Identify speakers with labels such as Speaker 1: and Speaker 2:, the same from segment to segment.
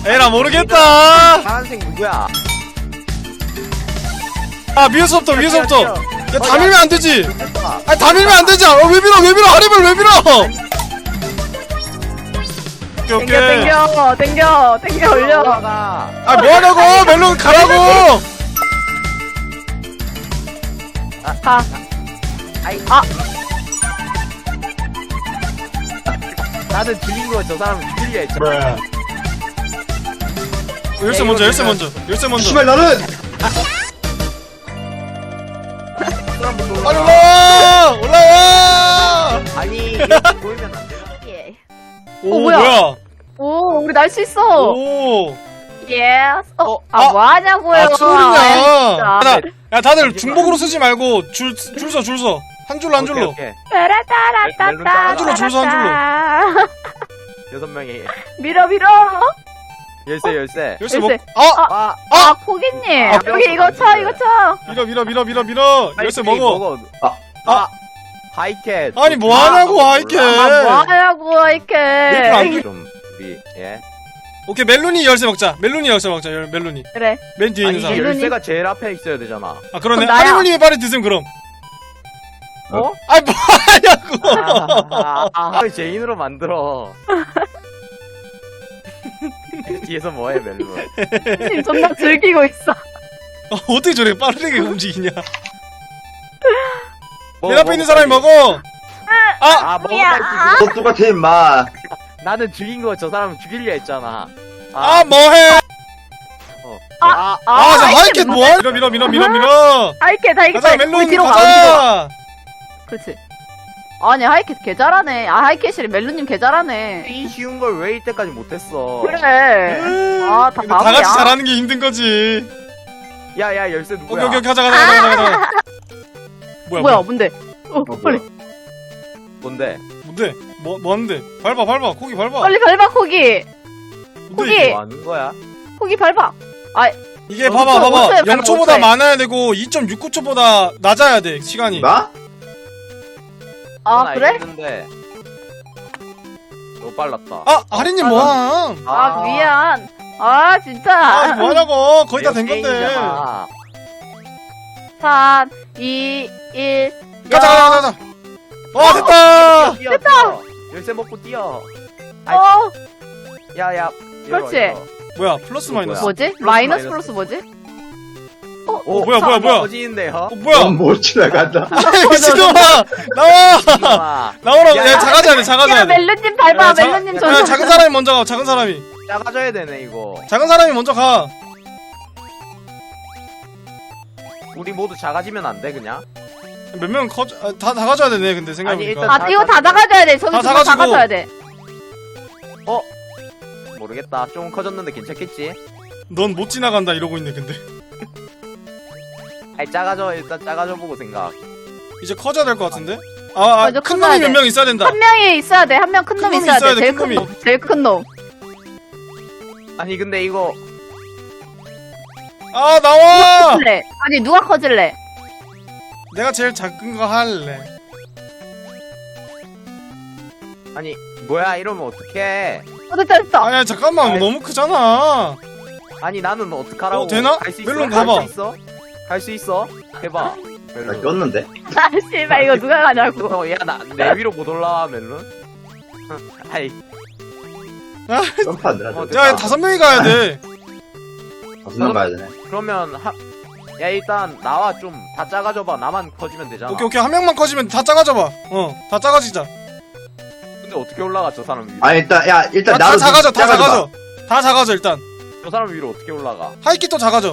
Speaker 1: 에라 모르겠다.
Speaker 2: 파란색 누구야?
Speaker 1: 아 위에서부터 위에서부터. 야 다 밀면 안 되지.
Speaker 2: 됐다.
Speaker 1: 아니 다 밀면 안 되지. 왜 밀어 하림을 왜 밀어? 오케이
Speaker 3: 땡겨 올려.
Speaker 2: 올라가.
Speaker 1: 아 뭐하냐고 멜론 가라고.
Speaker 3: 가.
Speaker 2: 아이.
Speaker 3: 아.
Speaker 2: 나는 죽인 거 저 사람 죽이려 했잖아.
Speaker 1: 열쇠 먼저.
Speaker 4: 씨발 나는
Speaker 1: 빨리 올라와.
Speaker 2: 아니 이렇게 보이면 안 돼.
Speaker 1: 오
Speaker 3: 뭐야?
Speaker 1: 뭐야?
Speaker 3: 오 우리 날 수 있어.
Speaker 1: 오.
Speaker 3: 예스.
Speaker 1: 아,
Speaker 3: 뭐 하냐고요?
Speaker 1: 아 초월이냐?
Speaker 3: 진짜.
Speaker 1: 야 다들 중복으로 쓰지 말고 줄 서. 한 줄로.
Speaker 2: 오케이.
Speaker 3: 따라따라따따.
Speaker 1: 한 줄로 줄 서, 한
Speaker 2: 여섯 명이
Speaker 3: 밀어.
Speaker 2: 열쇠.
Speaker 1: 열쇠 먹.
Speaker 3: 열쇠.
Speaker 2: 아,
Speaker 3: 포기님.
Speaker 1: 아,
Speaker 3: 여기 이거 쳐.
Speaker 1: 밀어. 열쇠 먹어.
Speaker 2: 하이캣.
Speaker 1: 아니 뭐 하냐고 하이캣.
Speaker 3: 뭐 하냐고
Speaker 1: 밀면 안
Speaker 3: 이렇게.
Speaker 1: 돼.
Speaker 2: 좀 우리 예.
Speaker 1: 오케이 멜론이 열쇠 먹자. 멜론이.
Speaker 3: 그래.
Speaker 1: 맨 뒤에
Speaker 2: 아니
Speaker 1: 있는 사람.
Speaker 2: 열쇠가 제일 앞에 있어야 되잖아.
Speaker 1: 아 그러네.
Speaker 3: 그럼 나야.
Speaker 1: 하림님이 빨리 드셈 그럼.
Speaker 2: 어?
Speaker 1: 아니 뭐 하냐고.
Speaker 2: 왜 제인으로 만들어? 뒤에서 뭐해 멜론?
Speaker 3: 님 존나 즐기고 있어.
Speaker 1: 어떻게 저렇게 빠르게 움직이냐.
Speaker 2: 뭐,
Speaker 1: 맨 앞에 있는 사람이 먹어.
Speaker 2: 아 먹었다 했지.
Speaker 4: 너 똑같아 임마.
Speaker 2: 나는 죽인 거 저 사람 죽이려 했잖아.
Speaker 1: 아 뭐해?
Speaker 2: 아,
Speaker 1: 자 하이캣 뭐야? 밀어.
Speaker 3: 하이캣.
Speaker 1: 가자 멜론
Speaker 3: 뒤로 가.
Speaker 1: 가자.
Speaker 3: 그렇지. 아니 하이캣 개 잘하네. 하이캣이 멜론님 개 잘하네.
Speaker 2: 이 쉬운 걸 왜 이때까지 못했어?
Speaker 3: 그래. 다
Speaker 1: 근데 다
Speaker 3: 바보야.
Speaker 1: 같이 잘하는 게 힘든 거지.
Speaker 2: 야야 열쇠 누구야?
Speaker 1: 오케이 가자.
Speaker 3: 뭐야 뭔데? 빨리
Speaker 2: 뭔데?
Speaker 1: 뭔데? 뭐 하는데? 밟아. 코기 밟아.
Speaker 3: 빨리 밟아 코기.
Speaker 1: 뭔데,
Speaker 3: 코기.
Speaker 1: 이게?
Speaker 2: 뭐 하는 거야?
Speaker 3: 코기 밟아.
Speaker 1: 이게
Speaker 3: 어,
Speaker 1: 봐봐.
Speaker 3: 오초에
Speaker 1: 0초보다
Speaker 3: 오초에.
Speaker 1: 많아야 되고 2.69초보다 낮아야 돼 시간이.
Speaker 4: 나?
Speaker 2: 넌
Speaker 3: 그래?
Speaker 2: 알겠는데. 너무 빨랐다.
Speaker 1: 아 하리님 뭐함?
Speaker 3: 미안. 진짜.
Speaker 1: 아 뭐하냐고. 거의 다 된 건데.
Speaker 2: 게임이잖아.
Speaker 3: 3, 2, 1.
Speaker 1: 가자. 됐다.
Speaker 2: 됐다. 열쇠 먹고 뛰어. 야야.
Speaker 3: 그렇지.
Speaker 1: 뭐야 플러스 마이너스.
Speaker 3: 뭐지? 마이너스 플러스 뭐지?
Speaker 1: 뭐야.
Speaker 2: 터지는데요?
Speaker 1: 뭐야?
Speaker 4: 넌못 지나간다.
Speaker 1: 미친놈아 나와. 나오라고. 야 작아져야 돼.
Speaker 3: 멜론님 밟아.
Speaker 1: 야,
Speaker 3: 멜론님
Speaker 1: 야,
Speaker 3: 전.
Speaker 1: 작은 사람이 먼저 가. 작은 사람이
Speaker 2: 작아져야 되네 이거.
Speaker 1: 먼저 가.
Speaker 2: 우리 모두 작아지면 안 돼 그냥?
Speaker 1: 몇 명 다 가져야 되네. 근데
Speaker 2: 아니,
Speaker 1: 생각해보니까.
Speaker 2: 일단
Speaker 3: 이거 다 나가줘야 돼. 저기
Speaker 1: 다
Speaker 3: 다
Speaker 1: 가지고.
Speaker 3: 나가줘야 돼.
Speaker 2: 모르겠다. 좀 커졌는데 괜찮겠지?
Speaker 1: 넌 못 지나간다 이러고 있네. 근데
Speaker 2: 아니 작아져. 일단 작아져 보고 생각.
Speaker 1: 이제 커져야 될 것 같은데.
Speaker 3: 맞아,
Speaker 1: 큰
Speaker 3: 커져야
Speaker 1: 놈이
Speaker 3: 돼.
Speaker 1: 몇 명 있어야 된다.
Speaker 3: 한 명이 있어야 돼. 한 명 큰
Speaker 1: 큰
Speaker 3: 놈이
Speaker 1: 놈이
Speaker 3: 있어야
Speaker 1: 있어야
Speaker 3: 돼.
Speaker 1: 돼,
Speaker 3: 제일
Speaker 1: 큰
Speaker 3: 큰
Speaker 1: 놈이.
Speaker 3: 놈. 제일 큰 놈.
Speaker 2: 아니 근데 이거
Speaker 1: 나와.
Speaker 3: 커질래? 아니 누가 커질래?
Speaker 1: 내가 제일 작은 거 할래.
Speaker 2: 아니 뭐야 이러면 어떡해?
Speaker 3: 됐다.
Speaker 1: 아야 잠깐만.
Speaker 2: 아이.
Speaker 1: 너무 크잖아.
Speaker 2: 아니 나는 어떡하라고?
Speaker 1: 되나?
Speaker 2: 갈 수 있어?
Speaker 1: 멜론
Speaker 2: 갈
Speaker 1: 가봐.
Speaker 2: 수 있어? 갈 수 있어? 해봐.
Speaker 4: 나 꼈는데.
Speaker 3: 씨발 이거 누가 가냐고.
Speaker 2: 야나 내 위로 못 올라와 멜론? 아이
Speaker 4: 점프 안 되나?
Speaker 1: 야 5명이 가야 돼.
Speaker 4: 5명 가야 되네.
Speaker 2: 그러면 야 일단 나와 좀 다 작아져봐. 나만 커지면 되잖아.
Speaker 1: 오케이 한 명만 커지면 다 작아져봐. 다 작아지자.
Speaker 2: 근데 어떻게 올라가 저 사람 위로?
Speaker 4: 아 일단
Speaker 1: 다
Speaker 4: 나도
Speaker 1: 작아져.
Speaker 4: 작아져봐.
Speaker 1: 다 작아져 일단.
Speaker 2: 저 사람 위로 어떻게 올라가?
Speaker 1: 하이킥도 작아져.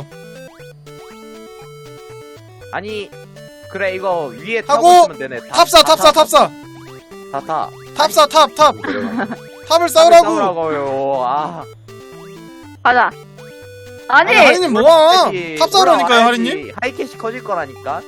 Speaker 2: 아니 그래 이거 위에
Speaker 1: 하고,
Speaker 2: 타고 있으면 되네.
Speaker 1: 탑사.
Speaker 2: 다 타.
Speaker 1: 탑. 탑을 싸우라고.
Speaker 2: 싸우라고요.
Speaker 3: 가자. 아니.
Speaker 1: 하리님 뭐야?
Speaker 2: 하이캐시
Speaker 1: 탑 싸우라니까요
Speaker 2: 올라와야지.
Speaker 1: 하리님.
Speaker 2: 하이캐시 커질 거라니까.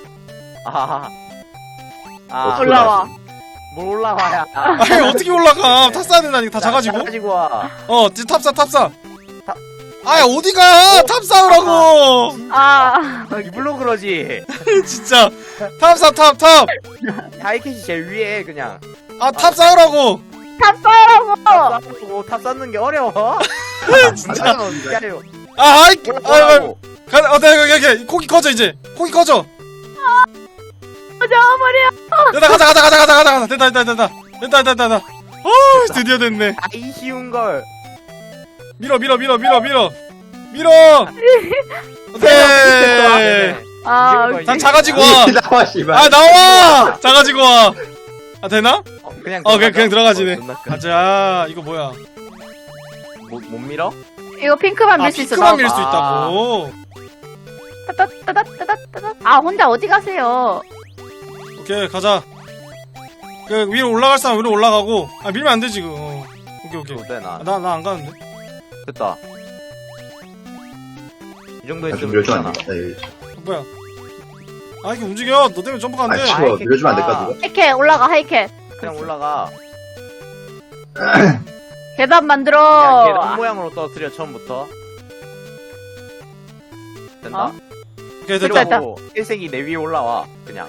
Speaker 3: 올라와.
Speaker 2: 뭘 올라와야.
Speaker 1: 아니 어떻게 올라가? 탑 싸야 된다니까. 다 작아지고.
Speaker 2: 가지고 와.
Speaker 1: 이제 탑사. 아야 어디가? 탑 싸우라고.
Speaker 2: 이불로 그러지.
Speaker 1: 진짜. 탑.
Speaker 2: 하이캐시 제일 위에 그냥.
Speaker 1: 탑 싸우라고.
Speaker 3: 탑 싸라고.
Speaker 2: 탑 쌓는 게 어려워. 진짜 기다려.
Speaker 1: 아 아이
Speaker 2: 뭐라고?
Speaker 1: 가 고기 커져 이제 고기 커져
Speaker 3: 잡아버려.
Speaker 1: 됐다 가자 됐다 드디어 됐네
Speaker 2: 아이 쉬운 걸.
Speaker 1: 밀어 오케이
Speaker 3: 아,
Speaker 2: 이게
Speaker 1: 난 작아지고 와
Speaker 4: 나와 씨발.
Speaker 1: 아 나와 작아지고 와 아 되나?
Speaker 2: 그냥
Speaker 1: 그냥 들어가지네.
Speaker 2: 존나 큰.
Speaker 1: 가자 이거 뭐야
Speaker 2: 못 밀어?
Speaker 3: 이거 핑크만
Speaker 1: 아
Speaker 3: 밀 수 있어.
Speaker 1: 피크만 밀 수
Speaker 2: 아.
Speaker 1: 있다고
Speaker 3: 따따따따따따따. 아, 혼자 어디 가세요?
Speaker 1: 오케이 가자 그 위로 올라갈 사람 위로 올라가고 아 밀면 안 돼 지금 오케이
Speaker 2: 어때 나?
Speaker 1: 나 안 가는데
Speaker 2: 됐다. 이 정도
Speaker 4: 좀
Speaker 2: 했으면
Speaker 4: 밀어주면 안
Speaker 2: 되잖아.
Speaker 4: 돼.
Speaker 1: 뭐야 아 이게 움직여 너 때문에 점프가
Speaker 4: 아
Speaker 1: 안돼
Speaker 4: 치워. 밀어주면 안 될까 누가?
Speaker 3: 하이캣 올라가, 하이캣.
Speaker 2: 그냥 올라가.
Speaker 3: 계단 만들어.
Speaker 2: 야, 계단 모양으로 떨어뜨려 처음부터. 된다.
Speaker 3: 어?
Speaker 1: 오케이 됐다
Speaker 3: 됐다.
Speaker 2: 그리고 일색이 내 위에 올라와. 그냥.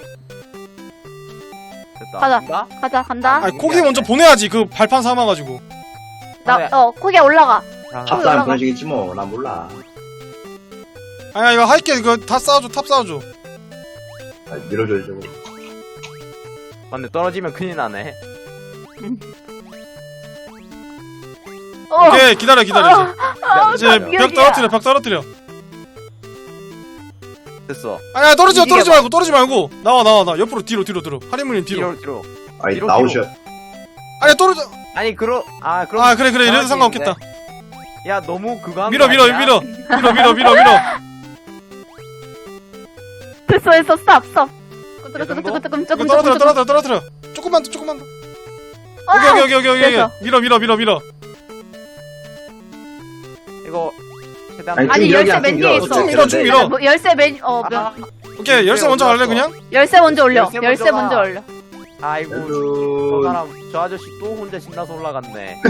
Speaker 2: 됐다.
Speaker 3: 가자.
Speaker 2: 간다?
Speaker 3: 가자, 간다.
Speaker 1: 아 고기 먼저 보내야지 그 발판 삼아가지고
Speaker 3: 거기에 올라가.
Speaker 4: 탑사람 그런 식이지 뭐. 난 몰라.
Speaker 1: 아야 이거 할게 이거 다 쌓아줘 탑 쌓아줘
Speaker 4: 아, 밀어줘야지 저거.
Speaker 2: 근데 떨어지면 큰일 나네.
Speaker 1: 오케이 기다려 이제 이제
Speaker 3: 미역이야.
Speaker 1: 벽 떨어뜨려
Speaker 2: 됐어.
Speaker 1: 아야 떨어지지
Speaker 2: 이게
Speaker 1: 말고 나와 옆으로 뒤로 들어 하리무님 뒤로
Speaker 2: 뒤로.
Speaker 4: 아니
Speaker 2: 뒤로,
Speaker 4: 나오셔.
Speaker 1: 아야 떨어져
Speaker 2: 아니 그럼
Speaker 1: 그래 이래도 상관없겠다
Speaker 2: 야 너무 그거 하는
Speaker 1: 밀어
Speaker 2: 거 아니야?
Speaker 3: 됐어, 스탑.
Speaker 2: 정도?
Speaker 3: 조금.
Speaker 1: 이거 떨어뜨려 조금만 더 오케이
Speaker 3: 됐어.
Speaker 1: 밀어
Speaker 2: 이거 최대한
Speaker 4: 아니,
Speaker 3: 아니,
Speaker 4: 쭉
Speaker 3: 열쇠
Speaker 4: 밀어,
Speaker 3: 맨
Speaker 4: 쭉
Speaker 3: 뒤에
Speaker 4: 밀어,
Speaker 3: 있어.
Speaker 1: 쭉 밀어, 쭉 밀어.
Speaker 3: 뭐, 열쇠
Speaker 1: 오케이 열쇠 먼저 갈래 그냥?
Speaker 3: 열쇠 먼저 올려.
Speaker 2: 열쇠
Speaker 3: 열쇠
Speaker 2: 먼저
Speaker 3: 먼저
Speaker 2: 가.
Speaker 3: 올려.
Speaker 2: 아이고 저
Speaker 4: 또
Speaker 2: 사람 저 아저씨 또 혼자 신나서 올라갔네.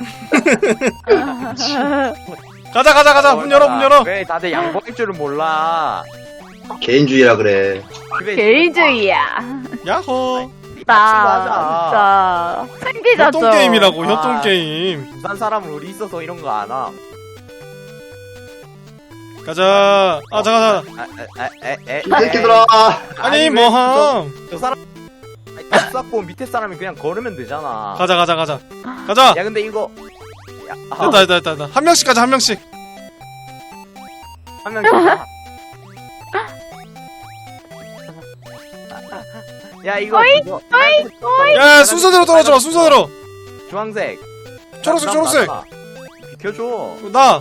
Speaker 1: 가자 문 열어
Speaker 2: 왜 다들 양보할 줄은 몰라.
Speaker 4: 개인주의라 그래.
Speaker 2: 집에
Speaker 3: 개인주의야.
Speaker 1: 야호
Speaker 2: 하자.
Speaker 3: 챙기자죠.
Speaker 1: 협동게임이라고
Speaker 2: 아.
Speaker 1: 협동게임
Speaker 2: 부산 사람은 우리 있어서 이런 거 안 와.
Speaker 1: 가자 잠깐
Speaker 4: 이 새끼들아.
Speaker 1: 아니
Speaker 2: 왜
Speaker 1: 뭐함
Speaker 2: 저 사람 탑 쌓고 밑에 사람이 그냥 걸으면 되잖아.
Speaker 1: 가자
Speaker 2: 야 근데 이거
Speaker 1: 됐다 한 명씩 가자 한 명씩
Speaker 2: 한 명씩. 야 이거 그거-
Speaker 1: 야 순서대로 떨어져 순서대로
Speaker 2: 주황색
Speaker 1: 초록색
Speaker 2: 비켜줘.
Speaker 1: 나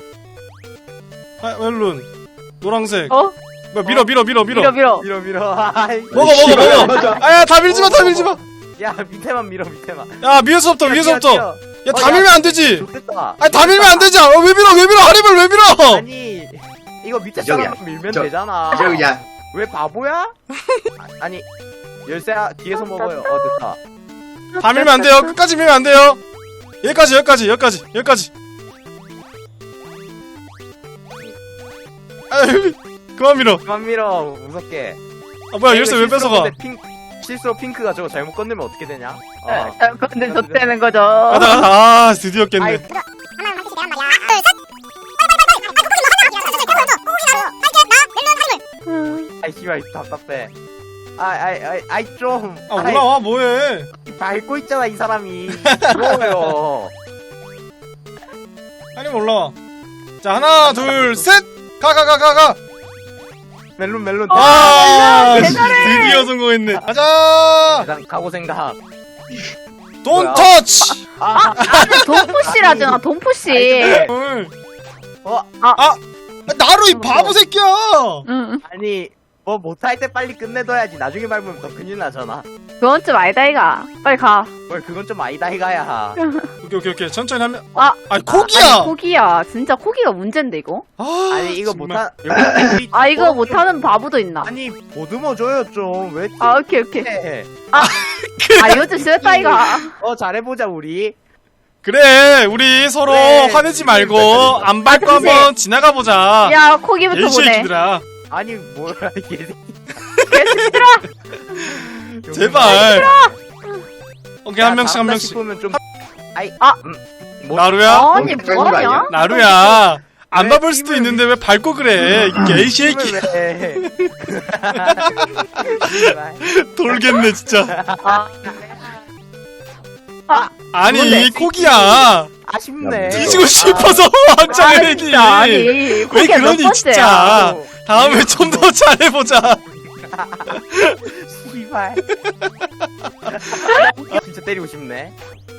Speaker 1: 멜룬 노랑색
Speaker 3: 어?
Speaker 1: 뭐야 밀어
Speaker 2: 밀어 아이,
Speaker 1: 먹어
Speaker 4: 맞아.
Speaker 1: 아야 다 밀지마
Speaker 2: 야 밑에만 밀어 밑에만.
Speaker 1: 야 위에서부터 야 다 밀면 안 되지
Speaker 2: 좋겠다.
Speaker 1: 아니 다 밀면 안 되지 왜 밀어 하림을 왜 밀어
Speaker 2: 아니 이거 밑에
Speaker 4: 저기야.
Speaker 2: 사람 밀면
Speaker 4: 저-
Speaker 2: 되잖아.
Speaker 4: 이제 그냥
Speaker 2: 왜 바보야? 아니 열쇠 뒤에서 먹어요. 됐다.
Speaker 1: 다 밀면 안 돼요 끝까지 밀면 안 돼요 여기까지 아유 그만 밀어
Speaker 2: 그만 밀어 무섭게.
Speaker 1: 아 뭐야 열쇠 왜 뺏어가
Speaker 2: 실수로 핑크가 저거 잘못 건들면 어떻게 되냐?
Speaker 3: 근데 좆되는 거죠.
Speaker 1: 가자 드디어 깼네
Speaker 2: 아이, 아이 씨발 답답해. 아이 좀.
Speaker 1: 아 올라와 뭐해
Speaker 2: 밟고 있잖아 이 사람이. 부러워요.
Speaker 1: 하림 올라와 자 하나 둘셋 가
Speaker 2: 멜론.
Speaker 1: 아,
Speaker 3: 대단해.
Speaker 1: 드디어 성공했네. 가자.
Speaker 2: 일단 각오 생각.
Speaker 1: 돈
Speaker 2: 뭐야?
Speaker 1: 터치.
Speaker 3: 돈푸시라잖아, 돈푸시.
Speaker 1: 나로 이 바보 새끼야.
Speaker 3: 응.
Speaker 2: 아니 뭐 못할 때 빨리 끝내둬야지. 나중에 밟으면 더 큰일 나잖아.
Speaker 3: 그건 좀 아니다, 이가. 빨리 가.
Speaker 2: 뭘 그건 좀 아니다 이가야.
Speaker 1: 오케이 천천히 하면.
Speaker 3: 아.
Speaker 1: 아니 코기야.
Speaker 3: 아니, 코기야. 진짜 코기가 문제인데, 이거?
Speaker 1: 아니
Speaker 2: 이거
Speaker 1: 정말.
Speaker 2: 못한.
Speaker 3: 이거 못하는 바보도 있나?
Speaker 2: 아니 보듬어줘요 좀. 왜?
Speaker 3: 오케이.
Speaker 2: 해?
Speaker 3: 이거 좀 싫다, 이가.
Speaker 2: 잘해보자 우리.
Speaker 1: 그래 우리 서로
Speaker 2: 그래.
Speaker 1: 화내지 말고 안 밟고
Speaker 3: 그치.
Speaker 1: 한번 지나가 보자.
Speaker 3: 야, 코기부터
Speaker 1: 이
Speaker 3: 보내.
Speaker 1: 새끼들아.
Speaker 2: 아니 뭐야 이게.
Speaker 3: 개새끼들아!
Speaker 1: 제발. 오케이 한 명씩.
Speaker 2: 싶으면 좀.
Speaker 1: 나루야?
Speaker 3: 아니
Speaker 4: 너무 헷갈리는 거 아니야?
Speaker 3: 뭐하냐?
Speaker 1: 나루야. 안
Speaker 2: 왜
Speaker 1: 밟을 수도
Speaker 2: 힘을
Speaker 1: 있는데 왜 밟고 그래? 개새끼.
Speaker 2: 왜?
Speaker 1: 돌겠네 진짜. 아니
Speaker 3: 뭔데?
Speaker 1: 코기야.
Speaker 2: 아쉽네.
Speaker 1: 뒤지고 싶어서 한장을 했니?
Speaker 3: 아니
Speaker 1: 왜
Speaker 3: 그게 몇
Speaker 1: 그러니
Speaker 3: 번째야?
Speaker 1: 진짜. 다음에 좀 더 잘해보자.
Speaker 2: 씨발. 진짜 때리고 싶네.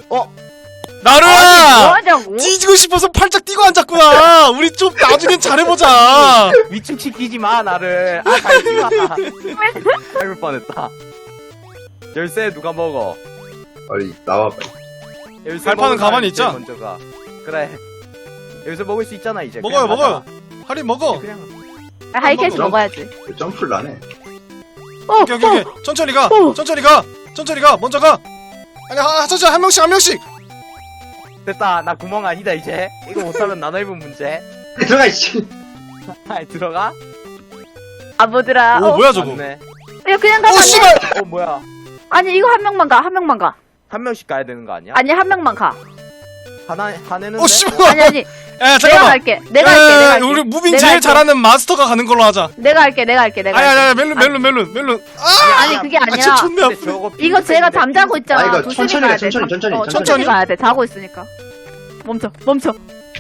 Speaker 1: 나루야.
Speaker 3: 뭐하냐고?
Speaker 1: 뒤지고 싶어서 팔짝 뛰고 앉았구나. 우리 좀 나중엔 잘해보자.
Speaker 2: 위층 시키지 마 나를. 달지 마. 밟을 뻔했다. 열쇠 누가 먹어?
Speaker 4: 빨리 나와 빨리.
Speaker 2: 열쇠
Speaker 1: 발판은
Speaker 2: 먹은
Speaker 1: 가만히
Speaker 2: 사람이
Speaker 1: 있자.
Speaker 2: 제일 먼저 가. 그래. 열쇠 먹을 수 있잖아 이제.
Speaker 1: 먹어요
Speaker 2: 그냥
Speaker 1: 먹어요.
Speaker 2: 가자.
Speaker 1: 하리 먹어.
Speaker 2: 그냥.
Speaker 3: 하이캐시
Speaker 4: 먹어.
Speaker 3: 먹어야지.
Speaker 4: 왜 점프를 안 해?
Speaker 1: 오케이 오케이. 천천히 가. 천천히 가. 천천히 가. 먼저 가. 아니 천천히 한 명씩.
Speaker 2: 됐다. 나 구멍 아니다 이제. 이거 못하면 나눠 입은 문제.
Speaker 4: 들어가 이씨.
Speaker 2: 아이 들어가?
Speaker 3: 아보들아.
Speaker 1: 오 뭐야 저거.
Speaker 2: 맞네.
Speaker 3: 이거 그냥
Speaker 1: 오
Speaker 3: 가면 안 돼?
Speaker 1: 씨발.
Speaker 2: 뭐야?
Speaker 3: 아니 이거 한 명만 가. 한 명만 가.
Speaker 2: 한 명씩 가야 되는 거 아니야?
Speaker 3: 아니 한 명만 가.
Speaker 2: 하나는.
Speaker 1: 오 씨발.
Speaker 3: 아니
Speaker 1: 야
Speaker 3: 내가
Speaker 1: 잠깐만.
Speaker 3: 갈게. 내가 할게.
Speaker 1: 우리 무빙
Speaker 3: 내가
Speaker 1: 제일
Speaker 3: 할게.
Speaker 1: 잘하는 마스터가 가는 걸로 하자.
Speaker 3: 내가 할게. 할게.
Speaker 1: 아야 멜룬.
Speaker 3: 아니 그게 아니라
Speaker 1: 존나 아프.
Speaker 3: 이거 제가 잠자고 있잖아.
Speaker 4: 이거
Speaker 3: 조심히
Speaker 4: 천천히
Speaker 3: 가야
Speaker 4: 가,
Speaker 3: 돼.
Speaker 4: 천천히.
Speaker 1: 천천히.
Speaker 3: 천천히 가야 돼. 자고 있으니까. 멈춰. 멈춰.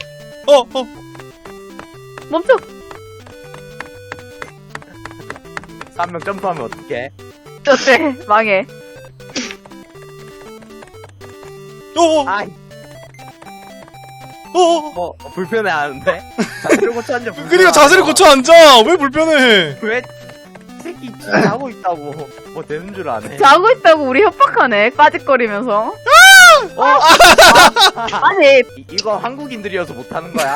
Speaker 2: 한 명 점프하면 어떡해?
Speaker 3: 어때? 망해.
Speaker 2: 아이 뭐 불편해 하는데? 자세를 고쳐 앉아.
Speaker 1: 그러니까 자세를 고쳐 앉아. 왜 불편해?
Speaker 2: 왜? 이 새끼 진짜 자고 있다고 뭐 되는 줄 아네.
Speaker 3: 자고 있다고 우리 협박하네. 빠짓거리면서. 아니
Speaker 2: 이거 한국인들이어서 못하는 거야?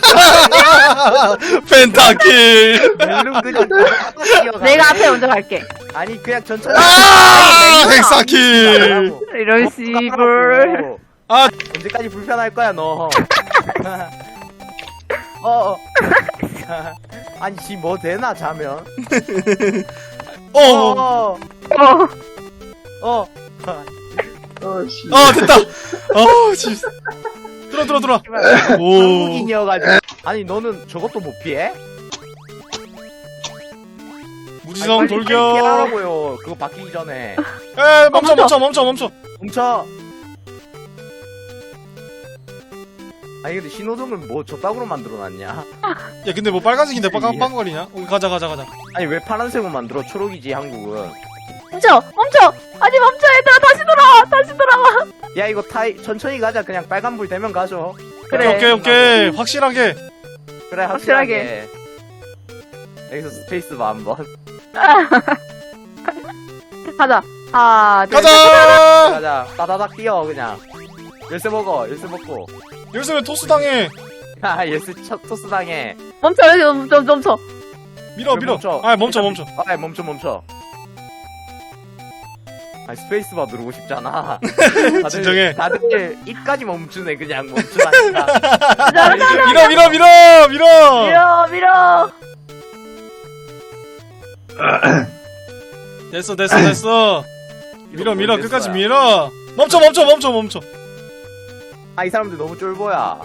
Speaker 1: 펜타킬.
Speaker 2: 멜론 그냥 뛰어가네.
Speaker 3: 내가 앞에 먼저 갈게.
Speaker 2: 아니 그냥 천천히.
Speaker 1: 헥사킬.
Speaker 3: 이런 씨불.
Speaker 2: 언제까지 불편할 거야 너. 아니 지 뭐 되나 자면.
Speaker 3: 어.
Speaker 4: 씨.
Speaker 1: 됐다. 씨. 들어. 오.
Speaker 2: 한국인이어가지고. 아니 너는 저것도 못 피해?
Speaker 1: 무지성 돌격.
Speaker 2: 피하라고요. 그거 바뀌기 전에.
Speaker 1: 멈춰.
Speaker 2: 멈춰. 아니 근데 신호등을 뭐 저따구로 만들어놨냐?
Speaker 1: 야 근데 뭐 빨간색인데 빵거리냐? 가자.
Speaker 2: 아니 왜 파란색으로 만들어? 초록이지 한국은.
Speaker 3: 멈춰. 아니 멈춰 얘들아. 다시 돌아와.
Speaker 2: 야 이거 천천히 가자. 그냥 빨간불 되면 가죠.
Speaker 3: 그래.
Speaker 1: 오케이. 확실하게.
Speaker 2: 그래 확실하게. 여기서 스페이스바 한번.
Speaker 3: 가자. 하나, 둘, 셋.
Speaker 1: 가자.
Speaker 2: 가자. 따다닥 뛰어 그냥. 열쇠 먹어. 열쇠 먹고.
Speaker 1: 열쇠 왜 토스 당해?
Speaker 2: 야 열쇠 토스 당해.
Speaker 3: 멈춰. 여기 멈춰.
Speaker 1: 밀어.
Speaker 2: 멈춰.
Speaker 1: 멈춰.
Speaker 2: 아 멈춰. 아 스페이스바 누르고 싶잖아.
Speaker 1: 진정해.
Speaker 2: 다들 입까지 멈추네 그냥 멈추라니까.
Speaker 1: 밀어. 됐어. 밀어. 끝까지 밀어. 멈춰.
Speaker 2: 아 이 사람들 너무 쫄보야.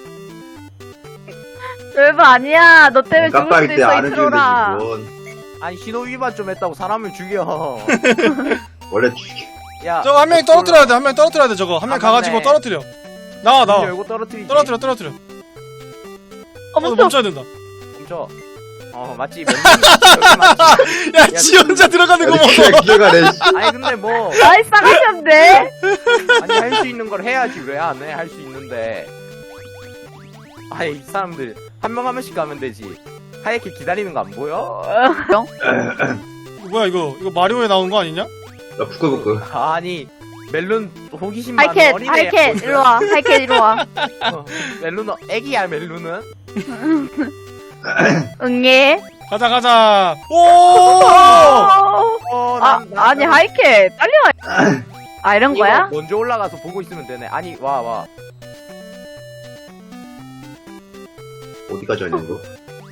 Speaker 3: 별거 아니야. 너 때문에 죽을
Speaker 4: 깜빡이
Speaker 3: 수도
Speaker 4: 때
Speaker 3: 있어 이
Speaker 4: 안 해주는데
Speaker 3: 트롤아.
Speaker 4: 지금.
Speaker 2: 아니 신호 위반 좀 했다고 사람을 죽여.
Speaker 4: 원래 죽여.
Speaker 2: 야
Speaker 1: 저거 한 명이 떨어뜨려야 돼. 저거 한 명 가가지고
Speaker 2: 맞네.
Speaker 1: 떨어뜨려. 나와.
Speaker 2: 열고 떨어뜨리지.
Speaker 1: 떨어뜨려.
Speaker 3: 멈춰.
Speaker 1: 멈춰야 된다.
Speaker 2: 멈춰. 맞지. 여기 맞지.
Speaker 1: 야, 지 혼자 들어가는 거
Speaker 4: 아니,
Speaker 1: 먹어.
Speaker 4: 기어가네.
Speaker 2: 아니 근데 뭐
Speaker 3: 아이 싸가지없네.
Speaker 2: 아니 할 수 있는 걸 해야지 왜 안 해? 할 수 있는데. 아이 이 사람들 한 명씩 가면 되지. 하얗게 기다리는 거 안 보여?
Speaker 1: 뭐야 이거 마리오에 나온 거 아니냐?
Speaker 4: 나 부끄부끄.
Speaker 2: 아니 멜론 호기심 많은
Speaker 3: 하이캣
Speaker 2: 어린애.
Speaker 3: 하이캣 이리 와.
Speaker 2: 멜론은 애기야 멜론은.
Speaker 3: 응애.
Speaker 1: 가자. 오!
Speaker 3: 아니 하이캣 빨리 와. 아 이런 거야?
Speaker 2: 먼저 올라가서 보고 있으면 되네. 아니 와.
Speaker 4: 어디까지 하냐 이거?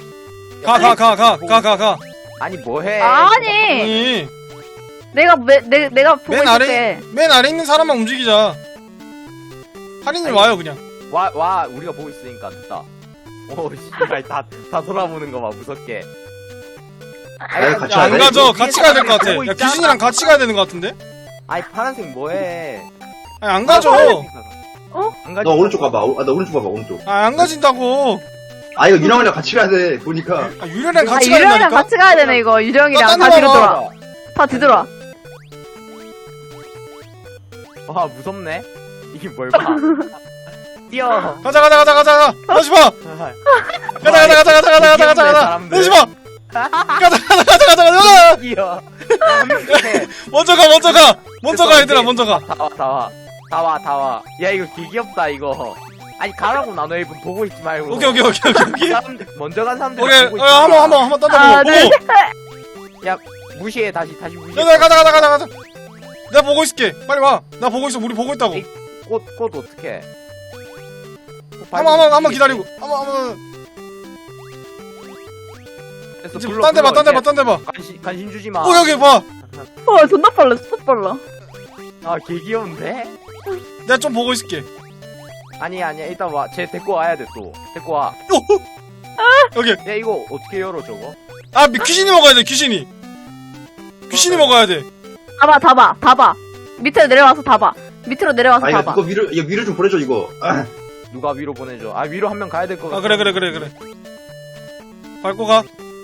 Speaker 1: 가.
Speaker 2: 아니 뭐해?
Speaker 3: 아니 내가 내가 보고
Speaker 1: 맨
Speaker 3: 있을게.
Speaker 1: 아래 있는 사람만 움직이자. 할인님 와요 그냥.
Speaker 2: 와 우리가 보고 있으니까 됐다. 오 씨발 다 돌아보는 거 봐 무섭게.
Speaker 4: 아니, 같이
Speaker 1: 야, 안
Speaker 4: 가야 돼?
Speaker 1: 가죠. 같이 가야 될 것 같아.
Speaker 2: 보고
Speaker 1: 야,
Speaker 2: 있잖아.
Speaker 1: 귀신이랑 같이 가야 되는 것 같은데?
Speaker 2: 아이 파란색 뭐해?
Speaker 1: 아니, 안 가죠.
Speaker 2: 안 가지.
Speaker 4: 너 오른쪽 가봐. 나 오른쪽 가봐, 오른쪽.
Speaker 1: 아, 안 가진다고.
Speaker 4: 아, 이거 유랑이랑 같이 가야 돼, 보니까.
Speaker 1: 아, 유령이랑
Speaker 3: 아,
Speaker 1: 같이 가야
Speaker 3: 유령이랑
Speaker 1: 된다니까?
Speaker 3: 같이 가야 되네, 이거. 유령이랑
Speaker 1: 딴
Speaker 3: 다
Speaker 1: 데
Speaker 3: 뒤로
Speaker 1: 봐봐.
Speaker 3: 돌아. 다 뒤돌아.
Speaker 2: 와 무섭네. 이게 뭘 봐? 뛰어.
Speaker 1: 가자. 내지 마. 가자. 내지 마. 가자.
Speaker 2: 뛰어.
Speaker 1: 먼저 가, 얘들아, 먼저 가.
Speaker 2: 다 와. 야 이거 개 귀엽다 이거. 아니 가라고 나너 일분 보고 있지 말고.
Speaker 1: 오케이.
Speaker 2: 사람들, 먼저 간 사람들
Speaker 1: 오케이,
Speaker 2: 보고 있지
Speaker 1: 한번 딴 데
Speaker 3: 하나,
Speaker 1: 보고.
Speaker 3: 둘,
Speaker 1: 오!
Speaker 3: 셋.
Speaker 2: 야 무시해 다시 무시해.
Speaker 1: 야, 가자. 내가 보고 있을게. 빨리 와. 나 보고 있어. 우리 보고 있다고.
Speaker 2: 꽃 어떡해?
Speaker 1: 한번 기다리고. 한번. 이제 딴 데 봐.
Speaker 2: 관심 주지 마.
Speaker 1: 여기 봐.
Speaker 3: 와, 존나 빨라, 진짜 빨라.
Speaker 2: 아개 귀여운데?
Speaker 1: 내가 좀 보고 있을게.
Speaker 2: 아니야 일단 와. 쟤 데리고 와야 돼 또. 데리고 와.
Speaker 1: 여기.
Speaker 2: 야 이거 어떻게 열어 저거?
Speaker 1: 아, 귀신이 먹어야 돼, 귀신이 먹어야 돼.
Speaker 3: 다 봐. 밑으로 내려와서 다 봐. 밑으로 내려와서
Speaker 4: 아,
Speaker 3: 다
Speaker 4: 이거
Speaker 3: 봐.
Speaker 4: 위로 좀 보내줘, 이거. 아,
Speaker 2: 누가 위로 보내줘? 아 위로 한 명 가야 될 거 같아.
Speaker 1: 아, 그래. 밟고 가.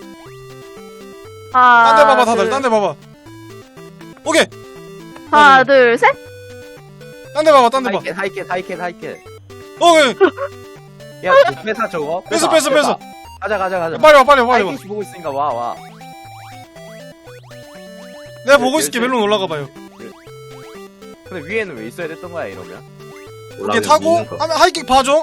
Speaker 3: 하나,
Speaker 1: 딴 데 봐봐, 다들.
Speaker 3: 둘,
Speaker 1: 딴 데 봐봐. 오케이.
Speaker 3: 하나, 둘, 셋.
Speaker 1: 딴 데 봐봐.
Speaker 2: 하이켓.
Speaker 1: 오케이.
Speaker 2: 야 뺏어 저거.
Speaker 1: 뺏어.
Speaker 2: 가자.
Speaker 1: 빨리 와.
Speaker 2: 하이켓이 보고 있으니까 와.
Speaker 1: 내가 보고 있을게. 멜론 올라가 봐요.
Speaker 2: 근데 위에는 왜 있어야 됐던 거야 이러면?
Speaker 1: 이렇게
Speaker 4: 올라가면
Speaker 1: 타고
Speaker 4: 미는 거.
Speaker 1: 하면 하이킥 봐줘.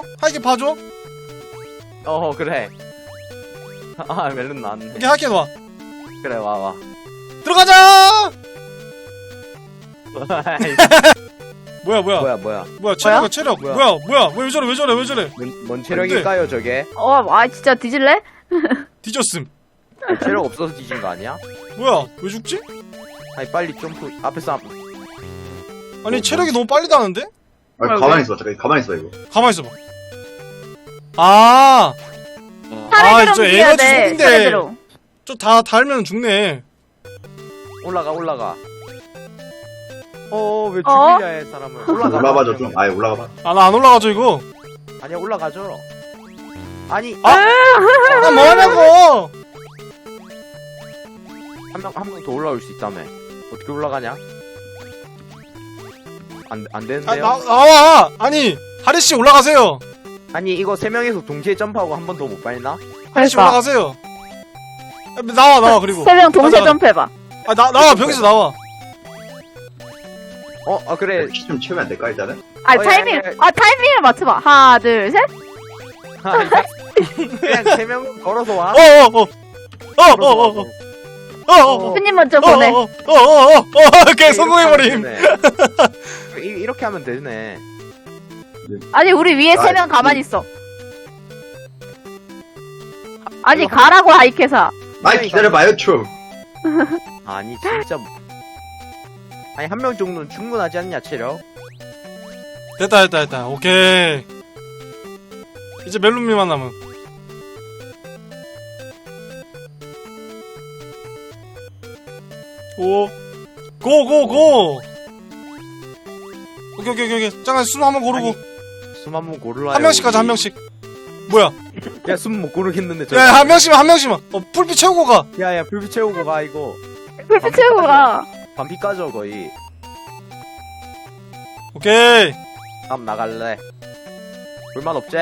Speaker 2: 그래. 아 멜론 나왔네.
Speaker 1: 이렇게 하이킥 와.
Speaker 2: 그래 와.
Speaker 1: 들어가자. 뭐야 체력.
Speaker 2: 뭐야?
Speaker 1: 뭐야 왜 저래.
Speaker 2: 뭔 체력일까요 저게?
Speaker 3: 진짜 뒤질래?
Speaker 1: 뒤졌음.
Speaker 2: 체력 없어서 뒤진 거 아니야?
Speaker 1: 뭐야 왜 죽지?
Speaker 2: 아니 빨리 점프 앞에서
Speaker 1: 아니 체력이 너무 빨리 다는데?
Speaker 4: 아, 가만히 있어, 잠깐. 가만히 있어, 이거.
Speaker 1: 가만히 있어봐. 아,
Speaker 3: 차례대로
Speaker 1: 진짜
Speaker 3: 움직여야
Speaker 1: 에너지
Speaker 3: 돼.
Speaker 1: 속인데.
Speaker 3: 차례대로.
Speaker 1: 저 다 달면 죽네.
Speaker 2: 올라가. 왜
Speaker 3: 어?
Speaker 2: 죽이려 해 사람을? 올라가.
Speaker 4: 올라가봐, 좀. 아예 올라가봐.
Speaker 1: 아, 나 안 올라가죠 이거.
Speaker 2: 아니야 올라가죠. 아니
Speaker 1: 나 뭐하냐고.
Speaker 2: 한 명 더 올라올 수 있다며. 어떻게 올라가냐? 안
Speaker 1: 아,
Speaker 2: 되는데요?
Speaker 1: 나와. 아니 하리 씨 올라가세요.
Speaker 2: 아니 이거 세 명이서 동시에 점프하고 한 번 더 못 밟나?
Speaker 1: 하리 씨
Speaker 3: 그러니까.
Speaker 1: 올라가세요. 나와 그리고.
Speaker 3: 세 명 동시에
Speaker 1: 가자.
Speaker 3: 점프해봐.
Speaker 1: 나와 벽에서 나와.
Speaker 2: 그래.
Speaker 4: 키 좀 채우면 안 될까, 일단은?
Speaker 3: 타이밍을 맞춰봐. 하나, 둘, 셋.
Speaker 2: 그냥 세 명 걸어서 와.
Speaker 3: 스님 먼저 보내.
Speaker 1: 오케이 성공해버림.
Speaker 2: 이렇게 하면 되네.
Speaker 3: 아니, 우리 위에 세 명 가만히 있어. 아니,
Speaker 2: 이거
Speaker 3: 가라고, 하이캐사.
Speaker 4: 아이, 기다려봐요, 좀.
Speaker 2: 아니 진짜. 아니 한 명 정도는 충분하지 않냐 체력?
Speaker 1: 됐다. 오케이. 이제 멜론미만 남은. 고. 오케이. 잠깐 숨 한번 고르고.
Speaker 2: 숨 한 번 고르라.
Speaker 1: 한 명씩 가자, 한 명씩. 뭐야?
Speaker 2: 야숨 못 고르겠는데 저.
Speaker 1: 야, 한 명씩만. 불빛 채우고 가.
Speaker 2: 야야 불빛 채우고 가 이거.
Speaker 3: 불빛 채우고 가.
Speaker 2: 반피 까져 거의.
Speaker 1: 오케이.
Speaker 2: 다음 나갈래. 불만 없지?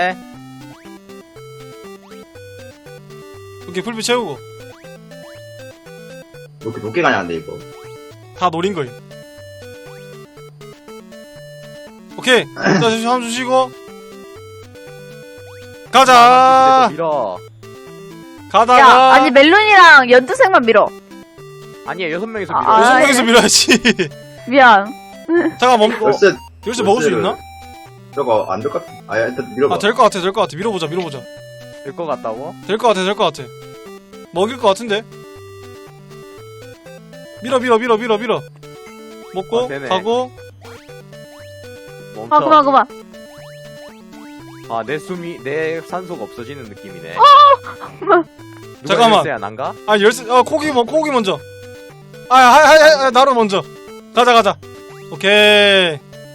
Speaker 1: 오케이, 불빛 채우고.
Speaker 4: 이렇게 높게 가냐, 안 돼, 이거.
Speaker 1: 다 노린 거임. 오케이. 자, 한번 주시고. 가자.
Speaker 2: 밀어.
Speaker 1: 가다가.
Speaker 3: 야, 아니, 멜론이랑 연두색만 밀어.
Speaker 2: 아니야 6명이서 밀어.
Speaker 3: 아,
Speaker 1: 여섯 명이서 밀어야지.
Speaker 3: 미안.
Speaker 1: 잠깐 멈고.
Speaker 4: 열쇠,
Speaker 1: 열쇠 먹을 수 있나?
Speaker 4: 저거 안 될 것 같아. 아, 일단 밀어봐.
Speaker 1: 될 것 같아. 밀어보자.
Speaker 2: 될 것 같다고?
Speaker 1: 될 것 같아. 먹일 것 같은데? 밀어. 먹고,
Speaker 2: 되네.
Speaker 1: 가고.
Speaker 2: 멈춰.
Speaker 3: 그만.
Speaker 2: 아, 내 산소가 없어지는 느낌이네.
Speaker 1: 잠깐만.
Speaker 2: 야 난가?
Speaker 1: 아 열쇠 코기 먼저. 나로 먼저. 가자. 오케이.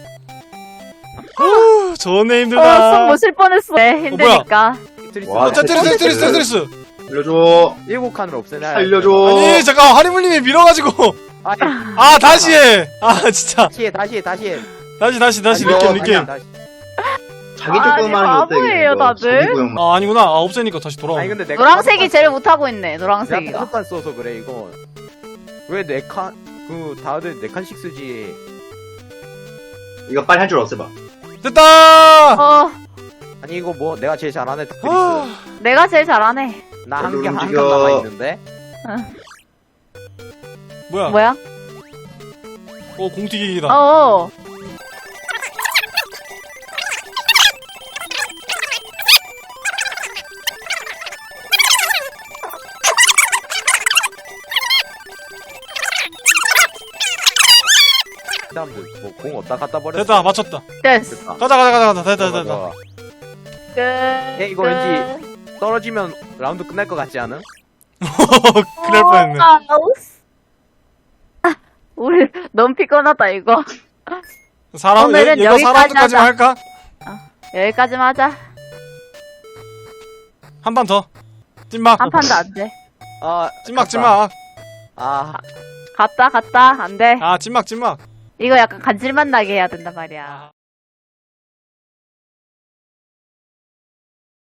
Speaker 1: 좋네 힘들다.
Speaker 3: 숨 못 쉴 뻔했어. 네, 힘드니까.
Speaker 4: 와,
Speaker 1: 테트리스.
Speaker 4: 살려줘.
Speaker 2: 7칸을 없애놔야
Speaker 4: 살려줘.
Speaker 1: 아니 잠깐 하리물님이 밀어가지고.
Speaker 2: 아니,
Speaker 1: 아 다시 해. 아 진짜.
Speaker 2: 다시 해.
Speaker 1: 다시
Speaker 4: 아니,
Speaker 1: 느낌.
Speaker 2: 다시.
Speaker 4: 자기
Speaker 3: 아니,
Speaker 4: 조금만 하면 어때?
Speaker 3: 바보예요,
Speaker 4: 이거?
Speaker 3: 다들.
Speaker 4: 자기 구역만.
Speaker 1: 아 아니구나. 아 없애니까 다시 돌아오네.
Speaker 2: 아니 근데 내가
Speaker 3: 노란색이 제일 못하고 있네,
Speaker 2: 내가
Speaker 3: 노란색이가.
Speaker 2: 다섯 칸 써서 그래 이거. 왜 4칸 다들 4칸씩 쓰지?
Speaker 4: 이거 빨리 한 줄 없애봐.
Speaker 1: 됐다.
Speaker 2: 아니 이거 뭐 내가 제일 잘하네 테트리스.
Speaker 3: 내가 제일 잘하네.
Speaker 2: 나 한
Speaker 4: 별로
Speaker 2: 칸
Speaker 4: 움직여.
Speaker 2: 남아 있는데.
Speaker 1: 뭐야?
Speaker 3: 뭐야?
Speaker 1: 공튀기기다.
Speaker 3: 어.
Speaker 2: 사람들 뭐공 어디다 갖다 버렸어?
Speaker 1: 됐다 맞췄다.
Speaker 3: 됐어.
Speaker 1: 가자. 됐다.
Speaker 2: 좋아.
Speaker 3: 끝.
Speaker 2: 이거 왠지 떨어지면 라운드 끝날 것 같지 않음?
Speaker 1: 그럴 뻔했네.
Speaker 3: 우리 너무 피곤하다 이거.
Speaker 1: 사람
Speaker 3: 오늘은
Speaker 1: 얘가
Speaker 3: 여기까지
Speaker 1: 사람들까지만
Speaker 3: 하자.
Speaker 1: 할까?
Speaker 3: 여기까지만 하자.
Speaker 1: 한 판 더. 찐막.
Speaker 3: 한 판도 안 돼.
Speaker 2: 아
Speaker 1: 찐막.
Speaker 2: 아
Speaker 3: 갔다 안 돼.
Speaker 1: 아 찐막.
Speaker 3: 이거 약간 간질만 나게 해야 된단 말이야.